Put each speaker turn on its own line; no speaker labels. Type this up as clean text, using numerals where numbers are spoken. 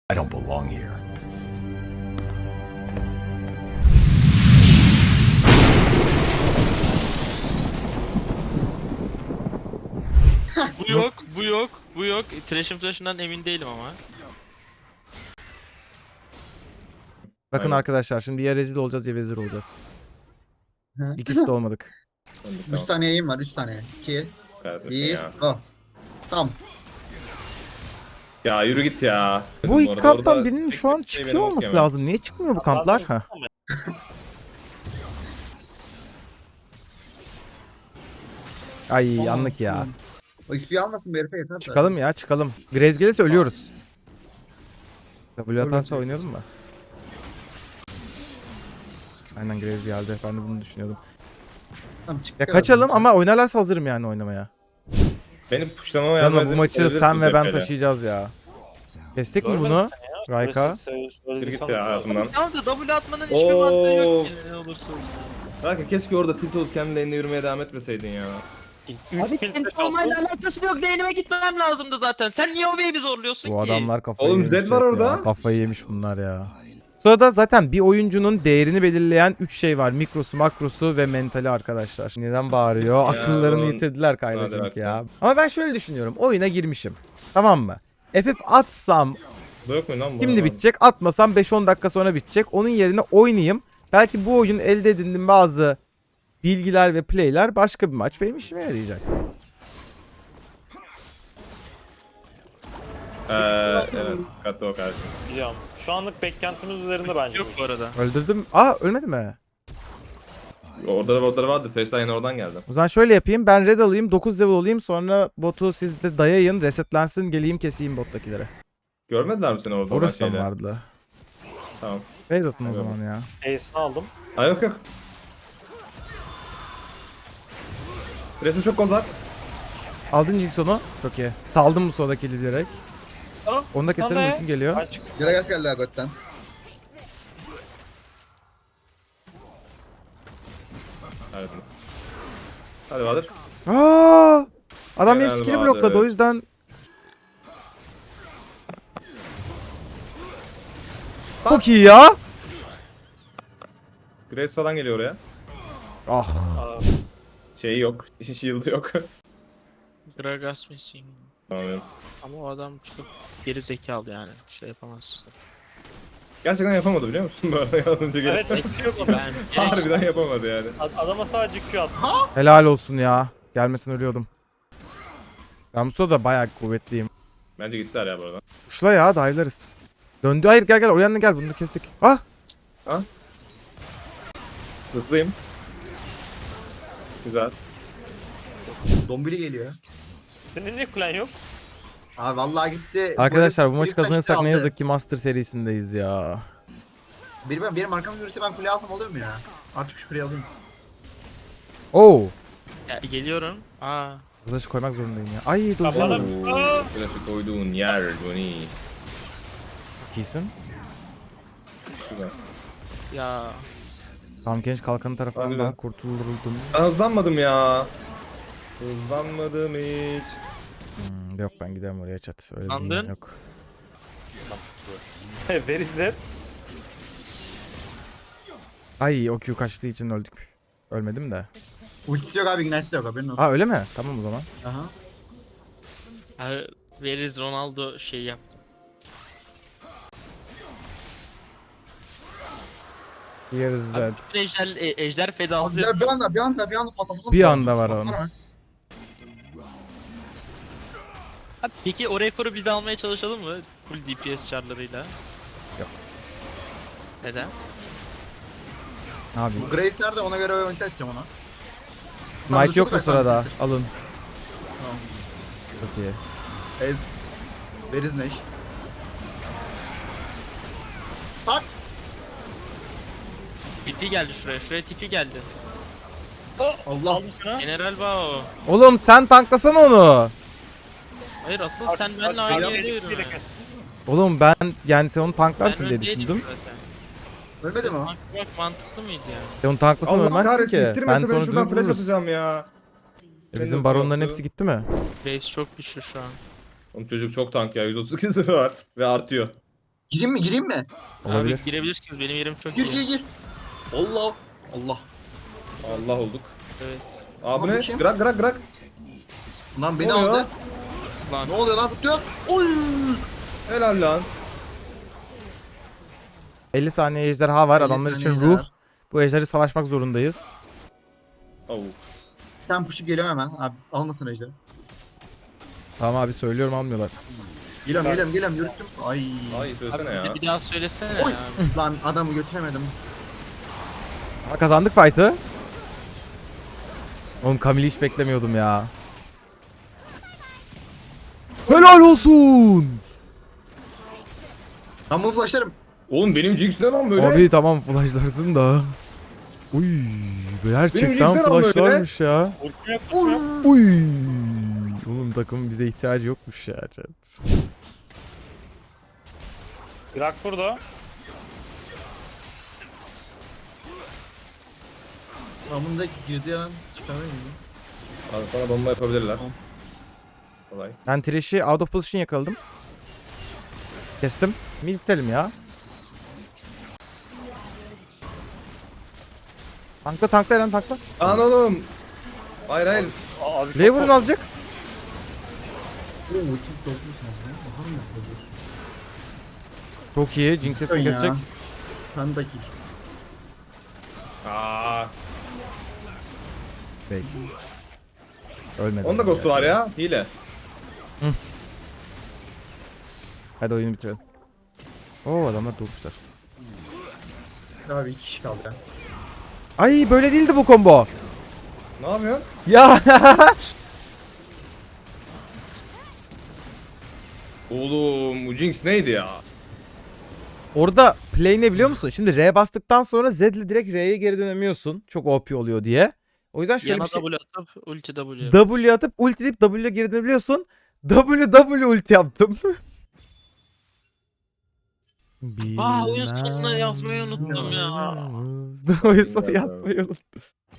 I don't belong here.
Bu yok, bu yok, bu yok. Flash'ından emin değilim ama.
Bakın
Aynen.
arkadaşlar şimdi ya rezil olacağız ya vezir olacağız.
Hı.
İkisi de olmadık.
3 saniyeyim var, 3 saniye. 2,
Kardeşim
1,
ya.
go. Tamam.
Ya yürü git ya.
Bu iki
Orada-
kamptan
orada
birinin
tek
şu an
tek şey
çıkıyor
benim
olması
okuyamam.
lazım. Niye çıkmıyor bu kamplar? Ha. Ay anlık ya.
O XP almasın bir herife yeter. de.
Çıkalım ya çıkalım. Graves gelirse ölüyoruz. W atarsa
Öyle
oynayalım mı? Aynen Graves geldi. Ben de bunu düşünüyordum.
Tamam, çık
Ya
ya.
kaçalım ama oynarlarsa hazırım yani oynamaya.
Benim puşlamama yardım
Yanma bu
edip
maçı
elleri
sen ve ben
tutacak hele.
taşıyacağız ya. Kestik mi
Görmedin
bunu?
sen ya.
Rayka.
Yürü git ya hayatımdan.
Tamam da W atmanın hiçbir mantığı yok ki ne olursa olsun.
Kanka keşke orada tilt olup kendi lane'ine yürümeye devam etmeseydin ya.
Abi benim olmayla alakası yok. Lane'ime gitmem lazımdı zaten. Sen niye o wave'i zorluyorsun
Bu
ki?
adamlar kafayı
Oğlum,
yemiş
Zed var
hep
orada.
ya. Kafayı yemiş bunlar ya. Sırada zaten bir oyuncunun değerini belirleyen 3 şey var. Mikrosu, makrosu ve mentali arkadaşlar. Neden bağırıyor?
Ya,
Akıllarını
oğlum.
yitirdiler
Hadi
kaybedecek
bakalım.
ya. Ama ben şöyle düşünüyorum. Oyuna girmişim. Tamam mı? FF atsam
Bu yok mu lan bu?
şimdi bitecek. Atmasam 5-10 dakika sonra bitecek. Onun yerine oynayayım. Belki bu oyun elde edindiğim bazı bilgiler ve playler başka bir maç benim işime yarayacak.
Evet. Dikkatli ol kardeşim.
Biliyorum. Şu anlık beklentimiz üzerinde bence.
Yok bu arada.
Öldürdüm. Aa ölmedi mi?
Orada vardı. Face'den yine oradan geldi.
O zaman şöyle yapayım. Ben red alayım. 9 level olayım. Sonra botu siz de dayayın. Resetlensin. Geleyim keseyim bottakilere.
Görmediler mi seni orada?
Orası da
olan
mı
şeyde?
vardı?
Tamam.
Red atın o
Evet.
zaman ya.
Ace'ini aldım.
Ha yok yok. Resim çok gol var.
Aldın Jinx onu. Çok iyi. Saldım bu soldaki direkt.
Tamam.
Onu da keserim.
Tamam.
Ultim geliyor.
Aç.
Gragas geldi Agot'tan.
Hadi. Hadi Bahadır.
Aa! Adam benim
Helal
skill'i
Bahadır.
blokladı. O yüzden çok iyi ya.
Grace falan geliyor oraya.
Ah.
Aa,
Şeyi yok. Shield'ı yok.
Gragas missing.
Tamam.
Ama o adam çok geri zekalı yani. Bir şey yapamaz.
Gerçekten yapamadı biliyor musun? Böyle az önce gelip.
evet bekliyor mu?
Ben
Harbiden yapamadı yani.
Adama sadece Q attım.
Helal olsun ya. Gelmesin ölüyordum. Ben bu sırada bayağı kuvvetliyim.
Bence gittiler ya bu arada.
Kuşla ya dive'larız. Döndü. Hayır gel oraya gel. Bunu da kestik. Ah.
Hızlıyım. Güzel.
Dombili geliyor.
Senin niye kulen yok?
Abi vallahi gitti.
Arkadaşlar bu
Herif
maçı
kaçtı,
kazanırsak ne
aldı.
yazık ki Master serisindeyiz ya.
Benim arkamda yürüse ben kule alsam oluyor mu ya? Artık şu kuleyi alayım.
Oo.
Ya, geliyorum. Aa.
Kılıç koymak zorundayım ya. Ay dur.
Kafana- Aa!
Flash'ı koyduğun yer Johnny.
Çok iyisin.
Güzel.
Ya.
Tam genç kalkanı tarafından
Harbiden.
kurtuldum.
Ben hızlanmadım ya. Hızlanmadım hiç.
Yok ben gidemem oraya chat. Öyle bir
Andın?
dünya yok.
Very Z.
Ay o Q kaçtığı için öldük. Ölmedim de.
Ultisi yok abi, ignite de yok haberin olsun.
Ha öyle mi? Tamam o zaman.
Aha.
Veririz Ronaldo şey yaptı.
Yeriz de.
Bütün ejder fedası.
Abi ya bir anda patlatalım.
Bir anda var onun.
Abi, peki o rekoru biz almaya çalışalım mı? Full DPS çarlarıyla.
Yok.
Neden?
Ne yapayım?
Bu Graves nerede, ona göre ulti atacağım ona.
Smite yok
çok
bu sırada.
güzel.
Alın.
Tamam.
Çok iyi.
Ez. Veriz Neş. Tak.
TP geldi şuraya. Şuraya TP geldi.
Allah.
Aldım sana.
General Bao.
Oğlum sen tanklasana onu.
Hayır asıl sen benimle aynı yerde yürü.
Bir de kestim.
Oğlum ben yani sen onu
Ben
tanklarsın diye
öndeydim
düşündüm.
zaten.
Ölmedi mi o?
Bak mantıklı mıydı yani?
Sen onu tanklasan
Allah
ölmezsin
kahretsin
ki. Ben
ittirmese ben
sonra
şuradan
dönüp
flash
vururuz.
atacağım ya.
Bizim baronların hepsi gitti mi?
Waves çok güçlü şu an.
Oğlum çocuk çok tank ya, 132 zırhı var ve artıyor.
Gireyim mi gireyim mi?
Olabilir.
Abi girebilirsiniz. Benim yerim çok
Gir
iyi.
gir gir. Allah. Allah.
Allah olduk.
Evet.
Abi
Abi
ne?
kim?
Grak grak grak.
Lan beni
Ne oluyor?
aldı.
Lan.
Ne oluyor lan zıplıyoruz? Oy.
Helal lan.
50 saniye ejderha var.
50
Adamlar için
saniye
ruh.
ejderha.
Bu ejderi savaşmak zorundayız.
Oh.
Sen push'up geliyorum hemen. Abi almasın ejderi.
Tamam abi söylüyorum almıyorlar.
Geliyorum yürüttüm. Ay.
Ay söylesene ya.
Bir daha söylesene
Oy.
abi.
Lan adamı götüremedim.
Ama kazandık fight'ı. Oğlum Camille'i hiç beklemiyordum ya. Helal olsun.
Ben bunu flashlarım.
Oğlum benim Jinx ne lan böyle?
Abi tamam flashlarsın da. Uy, gerçekten
Jinx'ler ama böyle.
flashlarmış ya.
Ultim yok. Ultim yok.
Uy. Oğlum takımın bize ihtiyacı yokmuş ya. Chat.
Grak burada.
Ben bunu da girdiği an çıkamıyor muyum?
Abi sana bomba yapabilirler.
Tamam.
Kolay.
Ben Thresh'i out of position yakaladım. Kestim. Militelim ya. Tankla Eren tankla.
Lan oğlum. Hayır hayır.
Abi çok
Buraya vurun azıcık. Çok iyi. Jinx hepsini kesecek.
Ben de kill.
Aa.
Belki. Ölmedi.
Onda ghost'u var ya. Hile.
Hadi oyunu bitirelim. Oo adamlar durmuşlar.
Abi 2 kişi kaldı ya.
Ay böyle değildi bu combo.
Ne yapıyorsun?
Ya.
Oğlum bu Jinx neydi ya?
Orada play ne biliyor musun? Şimdi R bastıktan sonra Z ile direkt R'ye geri dönemiyorsun. Çok OP oluyor diye. O yüzden şöyle
Yana
bir şey.
W atıp ulti W.
W atıp ulti deyip W'ye geri dönebiliyorsun. W ulti yaptım.
Aa oyun sonuna yazmayı unuttum ya.
Oyun sonu yazmayı unuttum.